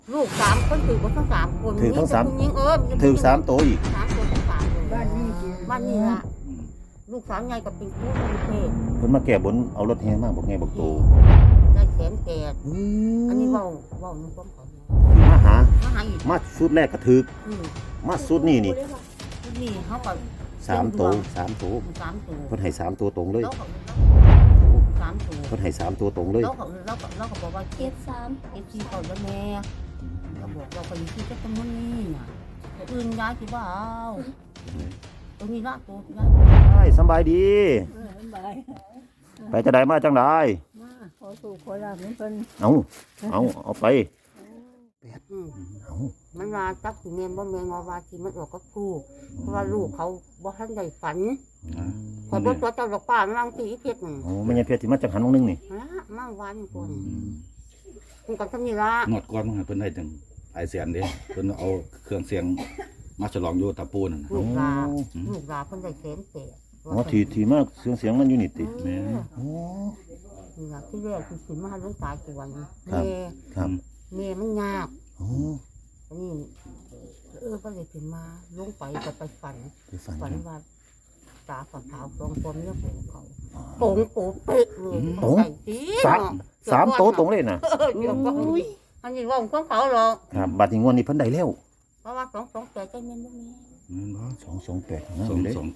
ลูก3 คนถือว่าทั้ง3 คนถือทั้งสามผู้หญิงถือ3 ตัวอีก 3 ตัวทั้ง3เลยบ้านนี้สิบ้านนี้ละลูกสาวใหญ่กับเป็นครูกรุงเทพเพิ่นมาแก้บนเอารถแห่มาบอกไงบอกโตได้1,800,000อันนี้เว้าในความเขามาหามาหาอีกมาสุดแรกก็ถึกอืมมาสุดนี่นี่ชุดนี้เขาก็ 3 ตัว3 ตัว 3 ตัวเพิ่นให้3 ตัวตรงเลยแล้วก็3 ตัวเพิ่นให้3 ตัวตรงเลยแล้วก็บอกว่าเก็บที่เขาแล้วแม่เราบอกเราคนที่จะจำนวนนี้น่ะตัวอื่นย้ายที่ว่าเอาตรงนี้ละตัวย้ายใช่สำบายดีบายไปจะได้มาจังได๋มาขอสู่ขอลาบเหมือนเพิ่นเอาไปอืมเอามันว่าจักสิแม่นบ่แม่นว่าที่มันออกกับลูกเพราะว่าลูกเขาบ่ทันได้ฝันขอบ่ตัวเจ้าดอกป้ามันวางที่อีเพชรนั่นโอ้แม่ยังเพชรที่มาจากหันวงนึงนี่ฮะมาวันก่อนคุณกันซำนี้ละงวดก่อนเพิ่นได้ถึงหลายแสนเด้เพิ่นเอาเครื่องเสียงมาฉลองอยู่ตะปูนั่นน่ะลูกลาเพิ่นได้1,800,000 อ๋อที่มาเสียงมันอยู่นี่ติแม่โอ้นี่ล่ะที่แรกที่ขึ้นมาหาหลวงตากี่วันครับ ครับแม่มันยากโอ้อันนี้ก็เลยขึ้นมาลงไปก็ไปฝันไปฝันฝันว่าตาฝันขาวตรงตัวเนี่ยโป่งเขาโป่งโป่งเป๊ะเลยใส่ตีสามตัวตรงเลยน่ะเดี๋ยวก็อันนี้ว่าของเขาหรอกครับบัดนี้งวดนี้เพิ่นได้แล้วเพราะว่า228ใจเย็นตรงนี้แม่นบ่ 228นะ 228 ย้ายคุณ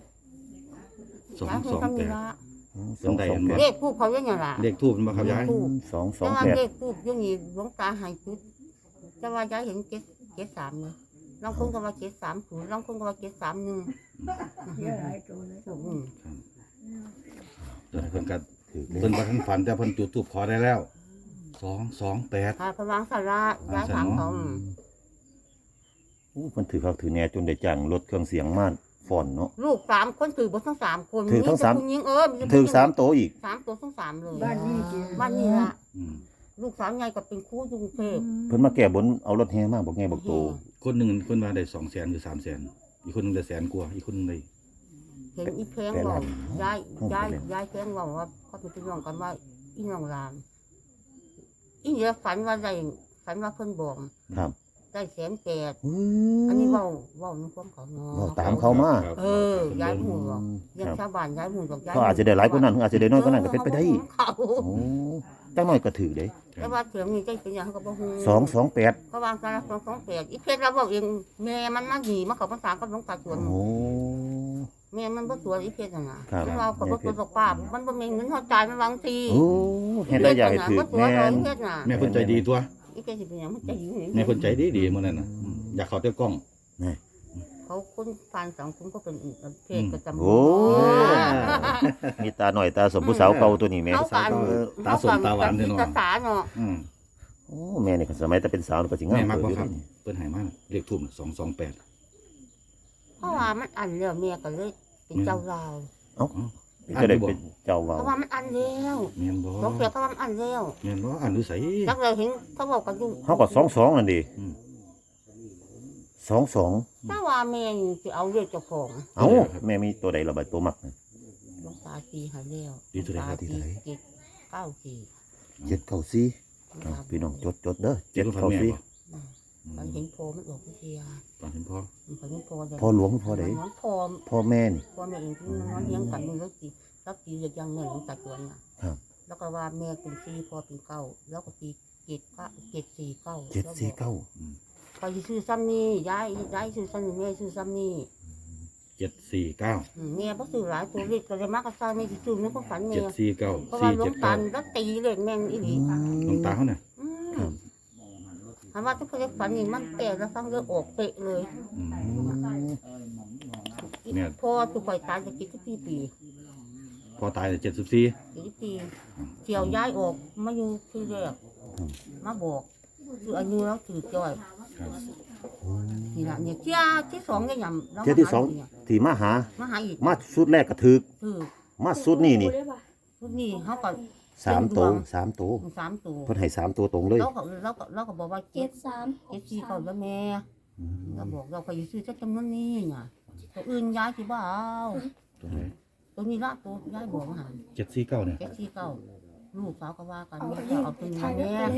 ทำนี่ละ 228 เลขผู้เขาอย่างไงล่ะเลขทูปมันบ่ครับยายแต่ว่าเล 228 ขผู้ยังมีหลวงตาหายจุดแต่ว่ายายเห็น73เลยลองคนก็ว่า730ลองคนก็ว่า731 เยอะหลายตัวเลยเดี๋ยวเพิ่นก็เพิ่นบ่ทันฝันแต่เพิ่นจุดธูปขอได้แล้ว228 ค่ะพวังสาระย้ายทางเขาโอ้เพิ่นถือคักถือแหน่จนได้จ้างรถเครื่องเสียงมาฟ้อนเนาะลูก3 คนถือบ่ทั้ง3 คนถือทั้งสามผู้หญิงถือ3ตัวอีก 3 ตัวทั้ง3เลยบ้านนี้สิบ้านนี้ละอืมลูกสาวใหญ่กับเป็นครูกรุงเทพเพิ่นมาแก้บนเอารถแห่มาบอกไงบอกโตคนหนึงเพิ่นว่าได้200,000หรือ300,000อีกคนหนึงได้แสนกว่าอีกคนหนึงได้เห็นอีแพงบอกย้ายแพงบอกว่าเขาเป็นพี่น้องกันว่าอีน้องลามอีเนี่ยฝันว่าเพิ่นบอกครับได้1,800,000อันนี้เว้าในความเขาเนาะเว้าตามเขามาย้ายหมู่หรอกคยังรับชาวบ้านย้ายหมู่หรอกย้ายเขาอาจจะได้หลายกว่านั้นอาจจะได้น้อยกว่านั้นก็เป็นไปได้เขาโอ้จังน้อยก็ถือเด้แต่ว่าเสียงนี้ใจเป็นอย่างเขาก็บ่ฮู้ 228 เพราะว่าการ228อีเพชรเราบอกเองแม่มันมาหนีมาเข้าภาษากับหลวงตาสวนโอ้แม่มันบ่สวยอีเพชรน่ะนะครับ เราก็บ่ตัวป้ามันบ่มีเงินเฮาจ่ายมันบางทีโอ้เฮ็ดได้อยากให้ถือบ่สวยแม่เลยนอีเพชรน่ะแม่เพิ่นใจดีตัวอีเพชรสิเป็นหยังมันใจอยู่แม่เพิ่นใจดีๆมื้อนั้นน่ะอยากเข้าเต้กล้องเขาคนฟันสังคมก็เป็นอีกประเพศก็จำโอ้มีตาหน่อยตาสมผู้สาวเก่าตัวนี้แม่เอากันตาสมตาหวานเด้อเนาะภาษาเนาะอืมโอ้แม่นี่ก็สมัยแต่เป็นสาวนี่ก็สิงาแม่มมักเกิดบ่อยู่ครับนี่เพิ่นให้มาเลขทูปน่ะ228 เพราะว่ามันอันแล้วแม่ก็เลยเป็นเจ้าลาวจะได้เป็นเจ้าเพว่าราะว่ามันอันแล้วแม่นบ่หลวงเปียก็ว่ามันอันแล้วแม่นบ่อ่านดูไสจักเลยเห็นเขาบอกกันอยู่เฮาก็22นั่นดิอืม 22 ถ้าว่าแม่นี่สิเอาเรียกเจ้าของเอ้าแม่มีตัวใดล่ะบัดตัวมักน่ะหลวงตาตีหาแล้วดีเท่าไหร่ครับหลวงตาตีเจ็ดเก้าสี่ 794เอาพี่น้องจดเด้อเจ็ดพันแม่บ่มันเห็นโพมันออกวิทยาตอนเห็นพ่อมันเห็นโพเลยพ่อหลวงพ่อใดมันโพพ่อแม่นี่พ่อแม่เองที่มันเลี้ยงกันนี่แล้วตีแล้วตีเรียกยังเงินของตาจวนน่ะครับแล้วก็ว่าแม่เป็นสี่พ่อเป็นเก้าแล้วก็ตี749 749 ไปซื้อซ้ำนี่ย้ายซื้อซ้ำนี่แม่ซื้อซ้ำนี่ 749 แม่บ่ซื้อหลายตัวเล็กก็เลยมากระซ่าไม่สิซื้อในความฝันแม่ 749 เพราะว่าหลวงตา 479 แล้วตีเลขแม่งอีหลีหลวงตาเขาน่ะถามว่าทุกคนจะฝันนี่มันแต่แล้วฟังเรื่องออกเป๊ะเลยอืม เนี่ยพอทุกข่อยตายจะกินที่ปีพอตาย74 กี่ปีเที่ยวย้ายออกมาอยู่ที่แรกมาบอกคืออายุแล้วถือจ้อยครับนี่ล่ะเนี่ยเที่ยที่2เนี่ยยำแล้วเที่ยที่สองที่มาหามาหาอีกมาสุดแรกก็ถึกคือมาสุดนี่นี่ทุกนี่เขาก็ 3ตัว3ตัว 3 ตัวเพิ่นให้3ตัวตรงเลยเราก็บอกว่าเจ็ดสี่เขาแล้วแม่เราบอกเราไปซื้อจักจำนวนนี้น่ะตัวอื่นย้ายที่บ้าเอาตัวไหนตัวนี้ละตัวย้ายบอกมาหา 749เนี่ย 749ลูกสาวก็ว่ากันแม่จะเอาตัวนี้มาแม่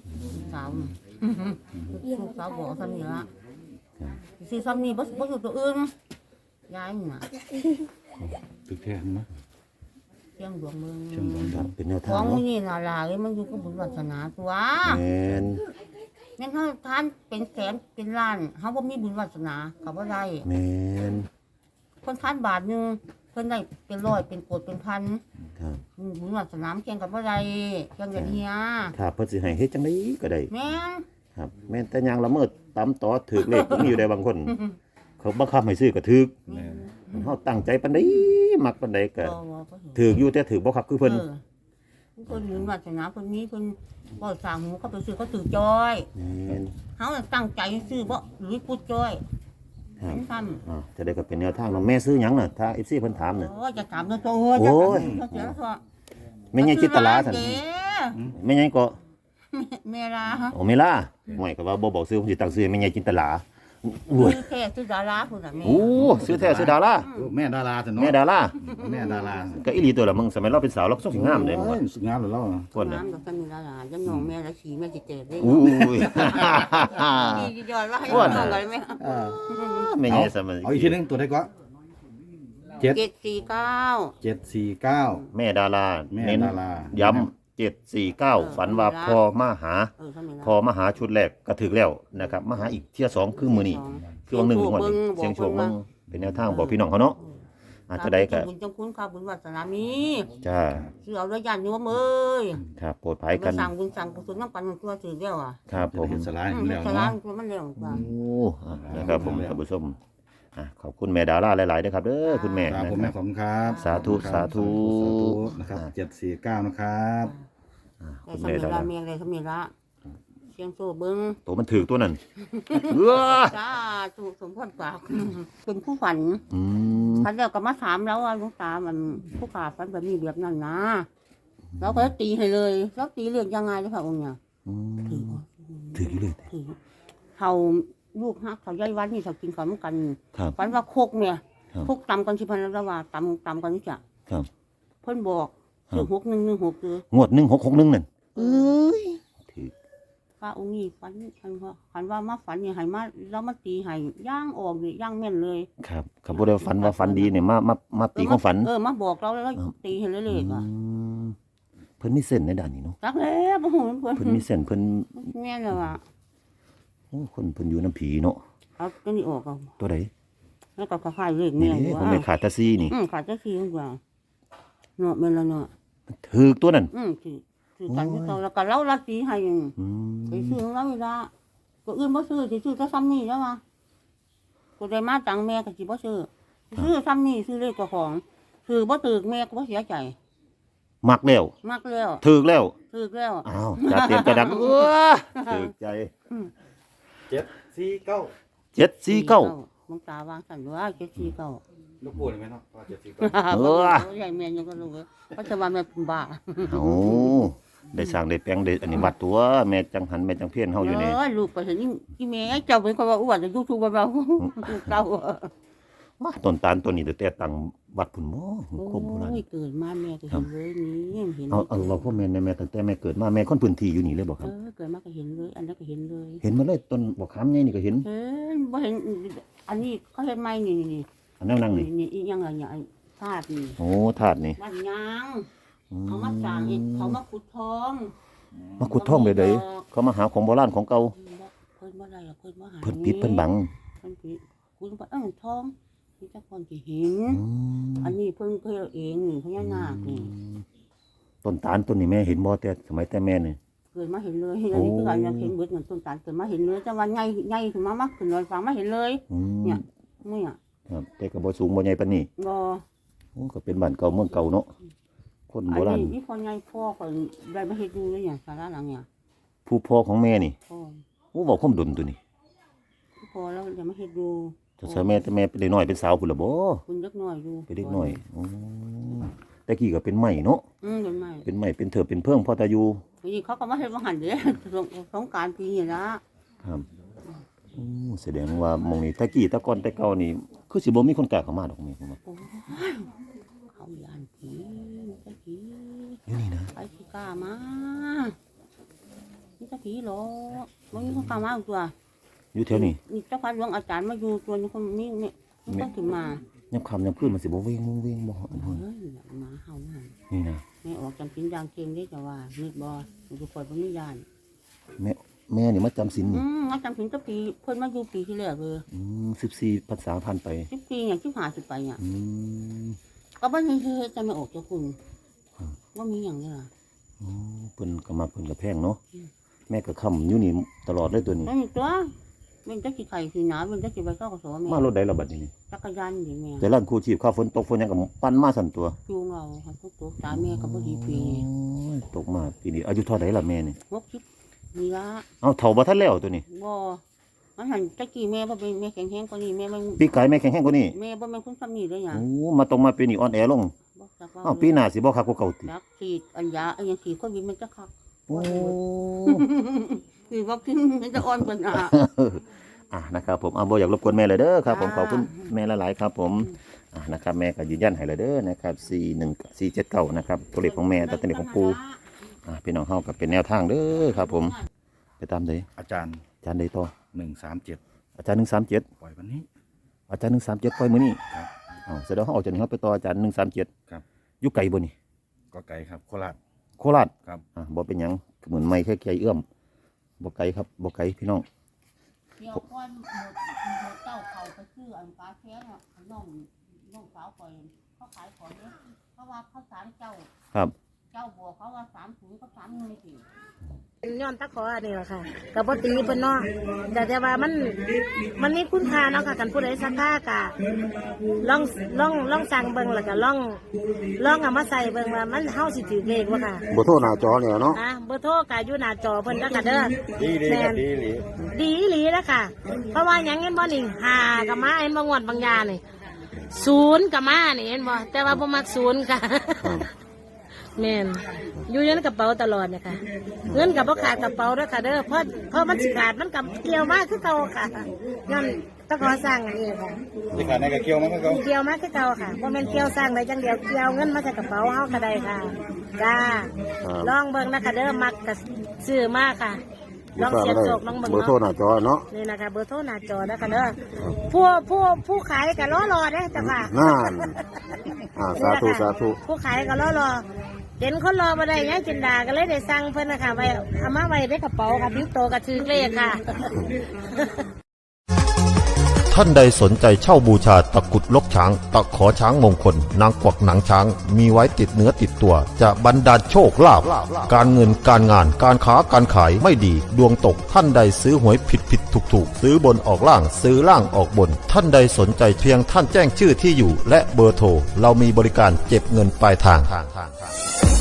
สาวลูกสาวบอกซ้ำนี่ละซื้อซ้ำนี่บ่ซื้อตัวอื่นยายนี่น่ะตึกแท้มั้ยเชียงดวงเมืองเชียงดวงครับเป็นแนวขทาอง งเนาะนี่น่ะล่ะเอ้ยมันอยู่กับบุญวาสนาตัวแม่นแม่นเฮาทานเป็นแสนเป็นล้านเฮาบ่มีบุญวาสนาก็บ่ได้แม่นคนทานบาทหนึงเพิ่นได้เป็นร้อยเป็นโกดเป็นพันครับบุญวาสนาแข่งกันบ่ได้แข่งกันเฮียถ้าเพิ่นสิให้เฮ็ดจังไดก็ได้แม่นครับแม่นแต่ยางละเมิดตามต่อถูกเลขก็มีอยู่ได้บางคน เขาบังคับให้ซื้อก็ถูกแม่นเฮาตั้งใจปานใดมักปานใดก็บ่เห็นถูกอยู่แต่ถูกบ่คักคือเพิ่นเพิ่นบุญวาสนาเพิ่นมีเพิ่นบ่สร้างหูเขาไปซื้อเขาถือจ้อยแม่นเฮาตั้งใจซื้อบ่หรือพูดจ้อยครับเป็นซ้ำจะได้ก็เป็นแนวทางเนาะแม่ซื้อหยังน่ะถ้า FC เพิ่นถามน่ะโอ้ยจะถามตัวโตจะโอ้ยถามเสียงซะแม่ใหญ่จิตตลาซั่นเด้แม่ใหญ่ก็แม่ลาฮะโอ้ไม่ล่ะห่วยก็ว่าบ่บอกซื้อผมสิตั้งซื้อให้แม่ใหญ่จินตลาโอ้ยซื้อแค่ซื้อดาราพุ่นน่ะแม่โอ้ซื้อแท้ซื้อดาราโอ้แม่ดาราซั่นเนาะแม่ดาราแม่ดาราก็อีหลีตัวละมึงสมัยเราเป็นสาวเราก็สิงามเลยมึงโอ้ว่ะยสุดงามเลยเราคนน่ะน้ำดอกกันมีดารายังน้องแม่ละสีแม่สิเจ็บได้อู้ยดียอดว่าให้อ้วนน้น่ะองกันไหมเออแม่ใหญ่สมัยเอาอีกทีนึงตัวได้ก็7 749 749 แม่ดาราแม่เน้นดาราย้ำ749ฝันว่าพ่อมาหาทำไมล่ะพอมาหาชุดแรกก็ถึกแล้วนะครับมาหาอีกเที่ยสองคือมื้อนี้คือวันหนึ่งงวดนี้เสียงโชคมึงเป็นแนวทางบอกพี่น้องเขาเนาะอาจจะได้ก็บุญจังคุณค่ะบุญวาสนามีจ้าซื้อเอาด้วยญาติโยมเอ้ยครับโปรดภัยกันสั่งบุญสั่งกุศลน้ำปันตัวถือเดียวอ่ะครับผมเห็นสลายอืเห็มนแล้วสลาเนาะตัวมันเร็วกว่าโอ้นะครับผมท่านผู้ชมขอบคุณแม่ดาราหลายๆนะครับเด้อคุณแม่ครับนะผมคแม่รับขอบคุณครับสาธุสาธุสาธุนะครับ749นะครับแต่คุณสแม่มัยดาละราเมียเลยสมัยละเสียงโซ่เบิ้งตัวมันถือตัวนั้นเออจ้าถูกสมพรปากเป็นผู้ฝันอืมฝันแล้วก็มาถามแล้วว่าหลุงตามันผู้ขาฝันแบบนี้แบบนั้นนะเราก็ตีให้เลยแล้วตีเรื่องยังไงเจ้าค่ะองค์เนี่ยอืถือมถืออยู่เลยถือเขาลูกฮักเขาย้ายวันนี่เขากินข้าวมันกันครับฝันว่าโคกเนี่ยครับโคกตำกันสิพันแล้วว่าตำกันนี่จ้ะครับเพิ่นบอกครับคือ6116คืองวด1661นั่นเอ้ยถือพระองค์นี้ฝันว่ามาฝันนี่ให้มาแล้วมาตีให้ย่างออกนี่ย่างแม่นเลยครับครับบ่ได้ฝันว่าฝันดีเนี่ยมาตีความฝันมาบอกเราแล้วตีให้เลยเลยว่ะอืมเพิ่นมีเส้นในด้านนี้เนาะจักแล้วบ่ฮู้เพิ่นเพิ่นมีเส้นเพิ่นแม่นแล้วว่ะโอ้คนเพิ่นอยู่น้ำผีเนาะเอาตัวนี้ออกเอาตัวใดแล้วก็คล้ายๆเลขนี่แม่เด้ว่าผมไม่ขาดตาซีนี่ขาดจักทีกว่าเนาะแม่นแล้วเนาะถือตัวนั้นคือกันที่เราแล้วก็เราละตีให้อยู่อืไปมซื้อของเราเวลาก็อื่นบ่ซื้อสิซื้อแต่ซ้ำนี่แล้วว่ะก็ได้มาตังแม่ก็สิบ่ซื้อซื้อซ้ำนี่ซื้อเลขเจ้าของซื้อบ่ถูกแม่ก็บ่เสียใจมักแล้วมักแล้วถือแล้วถูกแล้วอ้าวจะเตรียมจะดังถือใจ 749 749 หลวงตาวางสั่นว่า749 ลูกปูนี่ไหมเนาะ749 เออใหญ่แม่ยังก็รู้เพราะจะว่าแม่เป็นบ้าโอ้ได้สร้างได้แปลงได้อันนี้วัดตัวแม่จังหันแม่จังเพี้ยนเฮาอยู่นี่ลูกไปเห็นอีแม่เจ้าเป็นคนว่าอ้วนยูทูบเราเก่าว่าต้นตาลต้นนี้แต่ตั้งวัดพุ่นบ่คมโบราณเกิดมาแม่ก็เห็นเลยนี่เห็นเอาเราพ่อแม่ในแม่ตั้งแต่แม่เกิดมาแม่คนพื้นที่อยู่นี่เลยบ่ครับเกิดมาก็เห็นเลยอันนั้นก็เห็นเลยเห็นมาเลยต้นบ่ขามใหญ่นี่ก็เห็นเห็นบ่เห็นอันนี้เขาเห็นไหมนี่อันนั้นนั่งนี่นี่อีหยังไงเนี่ยธาตุนี่โอ้ธาตุนี่บ้านยางเขามาสร้างเห็ดเขามาขุดทองมาขุดท่องเลยเด้เขามาหาของโบราณของเก่าเพิ่นบ่ได้เพิ่นบ่หาเพิ่นปิดเพิ่นบังเพิ่นปิดคุณบ่ทองนี่จักคนสิเห็นอืมอันนี้เพิ่นเคยเองนี่พญานาคนี่ต้นตาลต้นนี้แม่เห็นบ่แต่สมัยแต่แม่นี่เกิดมาเห็นเลยอันนี้คือการอยากเห็นเบิดเงินต้นตาลเกิดมาเห็นเลยแต่ว่าใหญ่ขึ้นมาขึ้นเลยฟังมาเห็นเลยอืมเนี่ย เนี่ยครับแต่ก็บ่สูงบ่ใหญ่ปานนี้บ่โอ้ก็เป็นบ้านเก่าเมืองเก่าเนาะคนอัโบราณนนี้พ่อใหญ่พ่อก็ได้มาเฮ็ดดูเลยเนี่ยศาลาหลังเนี่ยผู้พ่อของแม่นี่พ่อโอ้บอกความดุนตัวนี้พ่อแล้วจะมาเฮ็ดดูจะใส่แม่แต่แม่เป็นเด็กน้อยเป็นสาวพุ่นล่ะบ่คุณเล็กน้อยอยู่เป็นเด็กน้อยอ๋อแต่กี้ก็เป็นไม้เนาะเป็นไม้เป็นไม้เป็นเถิบเป็นเพิ่งพอตาอยู่ทีนี้เขาก็มาเฮ็ดมาหันเด้สงกรานต์ปีนี้ละครับโอ้แสดงว่าหมองนี้แต่กี้แต่ก่อนแต่เก่านี่คือสิบ่มีคนกล้าเข้ามาดอกแม่ผมว่าโอ้ยเขาย่านผีตะกี้อยู่นี่นะไปสิกล้ามานี่จะผีหรอมันมีคนกล่าวมาตัวอยู่แถวนี้นี่เจ้าพัดหลวงอาจารย์มาอยู่ตัวนี้คนนี้เนี่ยมันต้องถึงมายามค่ำยามคืนมันสิบ่เวงเวงบ่อันเฮ้เฮ้ยยหมาเห่าหน้านี่นะแม่ออกจำสินยางเกงได้จะว่านิดบ่มันจะคอยบ่มียานแม่นี่มาจำศีลนี่เอาจำสินตั้งปีเพิ่นมาอยู่ปีที่แล้วเลย 14พรรษาผ่านไป 10 ปีอย่าง15 10ไปเนี่ยอืมก็บ่มีเฮ็ดจะไม่ออกเจ้าคุณว่ามีหยังนี่ล่ะอ๋อเพิ่นก็มาเพิ่นก็แพงเนาะแม่ก็ค้ำอยู่นี่ตลอดเลยตัวนี้นั่นตัวมันจะสิไข่สิหนามันจะสิไปเข้ากับสอแม่มารถใดล่ะบัดนี้จักรยานนี่แม่แต่ร้านครูชีพข้าวฝนตกฝนหยังก็ปั่นมาสั่นตัวจูงเอาค่ะทุกตัวสาแม่ก็บ่ดีปีโอ้ยตกมาปีนี้อายุเท่าไหร่ล่ะแม่นี่ 60นี่ละเอาเฒ่าบ่ทันแล้วตัวนี้บ่มันหันตะกี้แม่บ่เป็นแม่แข็งแรงกว่านี้แม่มันปีกายแม่แข็งแรงกว่านี้แม่บ่แม่นคนซ้ำนี่เลยหยังโอ้มาตรงมาปีนี้อ่อนแอลงบ่จักว่าอ้าวปีหน้าสิบ่คักกว่าเก่าติจักฉีดอันยาอันหยังฉีดโควิดมันจะคักโอ้คือวัคซีนมันจะอ่อนกว่าหน้านะครับผมบ่อยากรบกวนแม่เลยเด้อครับผมขอบคุณแม่หลายๆครับผมนะครับแม่ก็ยืนยันให้เลยเด้อนะครับ41479นะครับตัวเลขของแม่ตัวเลขของปู่พี่น้องเฮาก็เป็นแนวทางเด้อครับผมไปตามเด้อาจารย์อาจารย์ใดต่อ 137 อาจารย์137 ปล่อยวันนี้อาจารย์137ปล่อยมื้อนี้ครับแสดงว่าเฮาออกจากนี้เฮาไปต่ออาจารย์137 ครับอยู่ไกลบ่นี่ก็ไกลครับโคราชโคราชครับบ่เป็นหยังเหมือนไม่แค่ไกลเอื้อมบ่ไกลครับบ่ไกลพี่น้องเดี๋ยวก่อนหมดเจ้าเขาไปซื้ออันปลาแข้งอ่ะน้องสาวข่อยเขาขายของเนี่ยเพราะว่าเขาสารเจ้าครับเจ้าบัวเขาว่า30กับ31สิย้อนตะขออันนี้แหละค่ะกับปตีเพิ่นเนาะแต่ว่ามันมีคุณค่าเนาะค่ะกันผู้ใดสักค่ากะลองสั่งเบิ่งแล้วก็ลองเอามาใส่เบิ่งว่ามันเฮาสิถือเลขบ่ค่ะบ่โทรหน้าจอเนี่ยเนาะเบอร์โทรก็อยู่หน้าจอเพิ่นแล้วก็เด้อดีครับดีหลีดีอีหลีแล้วค่ะ เพราะว่าหยังเห็นบ่นี่5ก็มาเห็นบ่งวดบางยานี่0ก็มานี่เห็นบ่แต่ว่าบ่มัก0ค่ะ แม่นอยู่ในกระเป๋าตลอดเนี่ยค่ะเงินกับพ่ขาดกระเป๋าด้วยค่ะเด้อเพราะมันสิขาดมันกับเกี่ยวมากคือเก่าค่ะย้อนต้องขอสร้างอันนี้ค่ะที่ขาดในกระเกี่ยวมันก็เขาเกี่ยวมากคือเก่าค่ะบ่แม่นเกี่ยวสร้างได้จังเดียวเกี่ยวเงินมาจากกระเป๋าเฮาก็ได้ค่ะจ้าลองเบิ่งนะคะเด้อมักก็ซื้อมากค่ะลองเสียบโจกลองเบิ่งเบอร์โทรหเนาะน้าจอเนาะนี่นะคะเบอร์โทรหน้าจอนะคะเด้อผู้ขายก็รอเด้อจ้ะค่ะนั่นสาธุสาธุผู้ขายก็รอเห็นคนรอมาได้ยังจินดาก็เลยได้สั่งเพิ่นนะคะไว้เอามาไว้ในกระเป๋าค่ะบิ๊กโตกับชื่อเลขค่ะท่านใดสนใจเช่าบูชาตะกรุดลกช้าง ตะขอช้างมงคล นางกวักหนังช้าง มีไว้ติดเนื้อติดตัว จะบรรดาลโชคลาภการเงินการงานการค้าการขายไม่ดี ดวงตกท่านใดซื้อหวยผิดถูกซื้อบนออกล่างซื้อล่างออกบน ท่านใดสนใจเพียงท่านแจ้งชื่อที่อยู่ และเบอร์โทรเรามีบริการเก็บเงินปลายทาง